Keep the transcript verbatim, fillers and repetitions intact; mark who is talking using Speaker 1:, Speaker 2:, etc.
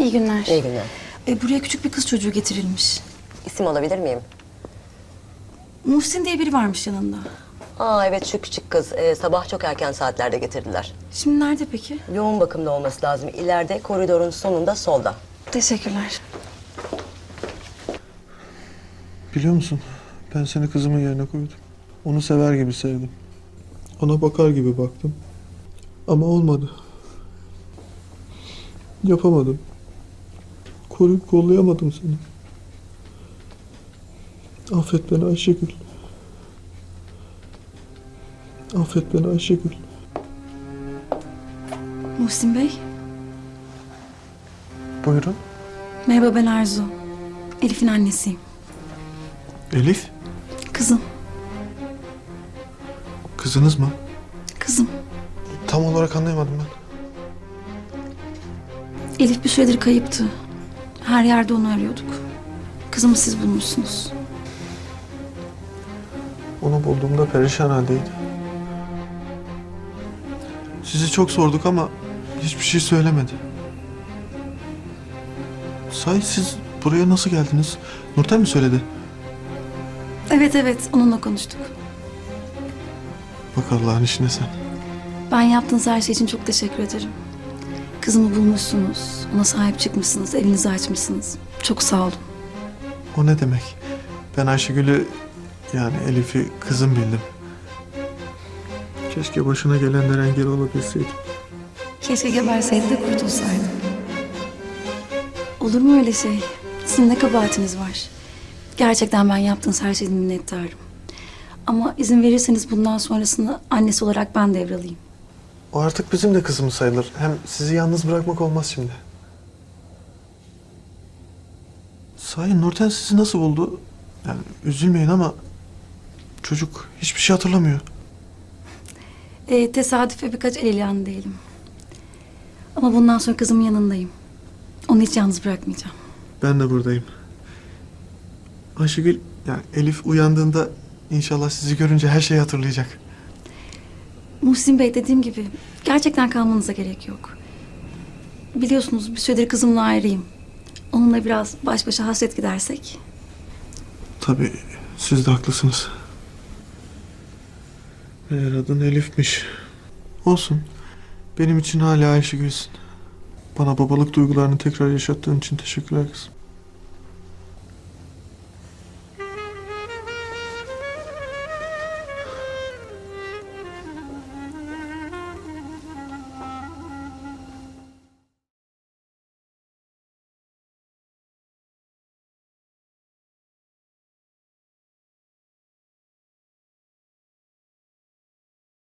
Speaker 1: İyi günler.
Speaker 2: İyi günler.
Speaker 1: E, buraya küçük bir kız çocuğu getirilmiş.
Speaker 2: İsim alabilir miyim?
Speaker 1: Muhsin diye biri varmış yanında.
Speaker 2: Aa evet, şu küçük kız. Ee, sabah çok erken saatlerde getirdiler.
Speaker 1: Şimdi nerede peki?
Speaker 2: Yoğun bakımda olması lazım. İleride koridorun sonunda solda.
Speaker 1: Teşekkürler.
Speaker 3: Biliyor musun? Ben seni kızımın yerine koydum. Onu sever gibi sevdim. Ona bakar gibi baktım. Ama olmadı. Yapamadım. Koruyup kollayamadım seni. Affet beni Ayşegül. Affet beni Ayşegül.
Speaker 1: Muhsin Bey.
Speaker 3: Buyurun.
Speaker 1: Merhaba, ben Arzu. Elif'in annesiyim.
Speaker 3: Elif.
Speaker 1: Kızım.
Speaker 3: Kızınız mı?
Speaker 1: Kızım.
Speaker 3: Tam olarak anlayamadım ben.
Speaker 1: Elif bir süredir kayıptı. Her yerde onu arıyorduk. Kızımı siz bulmuşsunuz.
Speaker 3: Onu bulduğumda perişan haldeydi. Sizi çok sorduk ama hiçbir şey söylemedi. Sahi siz buraya nasıl geldiniz? Nurten mi söyledi?
Speaker 1: Evet evet, onunla konuştuk.
Speaker 3: Bak Allah'ın işine sen.
Speaker 1: Ben yaptığınız her şey için çok teşekkür ederim. Kızımı bulmuşsunuz. Ona sahip çıkmışsınız. Evinizi açmışsınız. Çok sağ olun.
Speaker 3: O ne demek? Ben Ayşegül'ü, yani Elif'i kızım bildim. Keşke başına gelenlere engel olabilseydim.
Speaker 1: Keşke geberseydi de kurtulsaydım. Olur mu öyle şey? Sizin ne kabahatiniz var? Gerçekten ben yaptığınız her şeyden minnettarım. Ama izin verirseniz bundan sonrasını annesi olarak ben devralayım.
Speaker 3: O artık bizim de kızımız sayılır. Hem sizi yalnız bırakmak olmaz şimdi. Sahi Nurten sizi nasıl buldu? Yani üzülmeyin ama çocuk hiçbir şey hatırlamıyor.
Speaker 1: Ee, tesadüfe birkaç el ilanı diyelim. Ama bundan sonra kızımın yanındayım. Onu hiç yalnız bırakmayacağım.
Speaker 3: Ben de buradayım. Ayşegül, yani Elif uyandığında inşallah sizi görünce her şeyi hatırlayacak.
Speaker 1: Muhsin Bey, dediğim gibi gerçekten kalmanıza gerek yok. Biliyorsunuz bir süredir kızımla ayrıyım. Onunla biraz baş başa hasret gidersek.
Speaker 3: Tabii siz de haklısınız. Eğer adın Elif'miş. Olsun. Benim için hala Ayşegül'sün. Bana babalık duygularını tekrar yaşattığın için teşekkürler kızım.